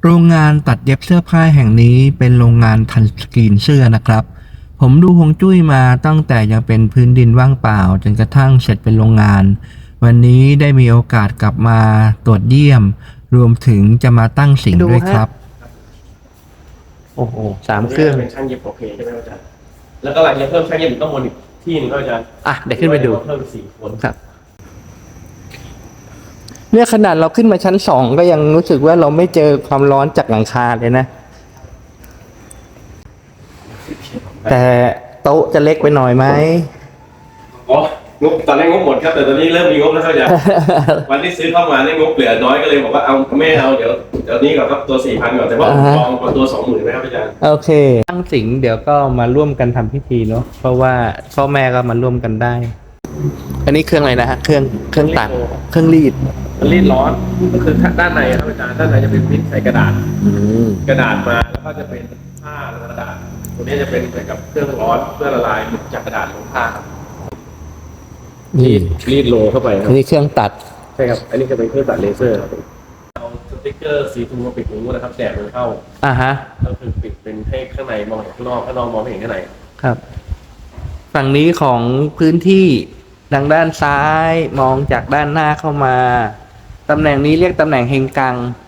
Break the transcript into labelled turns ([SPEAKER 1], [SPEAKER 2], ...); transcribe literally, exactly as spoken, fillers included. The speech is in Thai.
[SPEAKER 1] โรงงานตัดเย็บเสื้อผ้าแห่งนี้เป็นโรงงานทันสกรีนเสื้อนะครับ ผมดูฮวงจุ้ยมาตั้งแต่ยังเป็นพื้นดินว่างเปล่าจนกระทั่งเสร็จเป็นโรงงาน วันนี้ได้มีโอกาสกลับมาตรวจเยี่ยม รวมถึงจะมาตั้งสิงด้วยครับ
[SPEAKER 2] โอ้โหสามเครื่อง
[SPEAKER 3] เป็นช่างเย็บโอเคใช่ไหมอาจารย์แล้วก็หลังจากเพิ่มช่างเย็บอีกต้องวนอีกที่หนึงก็อาจารย์
[SPEAKER 2] อ่ะเดี๋ยวขึ้นไปดู
[SPEAKER 3] เพิ่มอีกสี่คน
[SPEAKER 2] ครับ เนี่ยขนาดเราขึ้นมาชั้นสองก็ยังรู้สึกว่าเราไม่เจอความร้อนจากหลังคาเลยนะ แต่โต๊ะจะเล็กไปหน่อยไหม
[SPEAKER 3] อ๋องบตอนแรกงบหมดครับแต่ตอนนี้เริ่มมีงบแล้วครับอาจารย์ วันที่ซื้อเข้ามาเนี่ยงบเหลือน้อยก็เลยบอกว่าเอาไม่เอาเดี๋ยวเดี๋ยวนี้ก่อนครับตัวสี่พันก่อนแต่ว่า
[SPEAKER 2] อ่าฮะ
[SPEAKER 3] ลองตัวสองหมื่นไหมครับอาจารย์
[SPEAKER 2] โอเค ตั้งสิงเดี๋ยวก็มาร่วมกันทำพิธีเนาะ เพราะว่าพ่อแม่ก็มาร่วมกันได้ อันนี้เครื่องอะไรนะฮะ เครื่องเครื่องตัด เครื่องรีด
[SPEAKER 3] มันรีดร้อนก็คือด้านในครับอาจารย์ด้านในจะเป็นพิมพ์ใส่กระดาษ
[SPEAKER 2] อืม
[SPEAKER 3] กระดาษมาแล้วก็จะเป็นผ้าลงกระดาษตัวนี้จะเป็นเหมือนกับเครื่องร้อนเพื่อละลายจากกระดาษลงผ้าครับ
[SPEAKER 2] นี่
[SPEAKER 3] รีดโลเข้าไปค
[SPEAKER 2] อั
[SPEAKER 3] รับ
[SPEAKER 2] นนี้เครื่องตัด
[SPEAKER 3] ใช่ครับอันนี้จะเป็นเครื่องตัดเลเซอร์ครับเอาสติ๊กเกอร์สีทูมาปิดหูนะครับแดดมันเข้า
[SPEAKER 2] อ่าฮะ
[SPEAKER 3] ก็คือปิดเป็นให้ข้างในมองเห็นข้างนอกข้างนอกมองไม่เห็นข้างใน
[SPEAKER 2] ครับ ฝั่งนี้ของพื้นที่ทางด้านซ้ายมองจากด้านหน้าเข้ามา ตำแหน่งนี้เรียกตำแหน่งเฮงกัง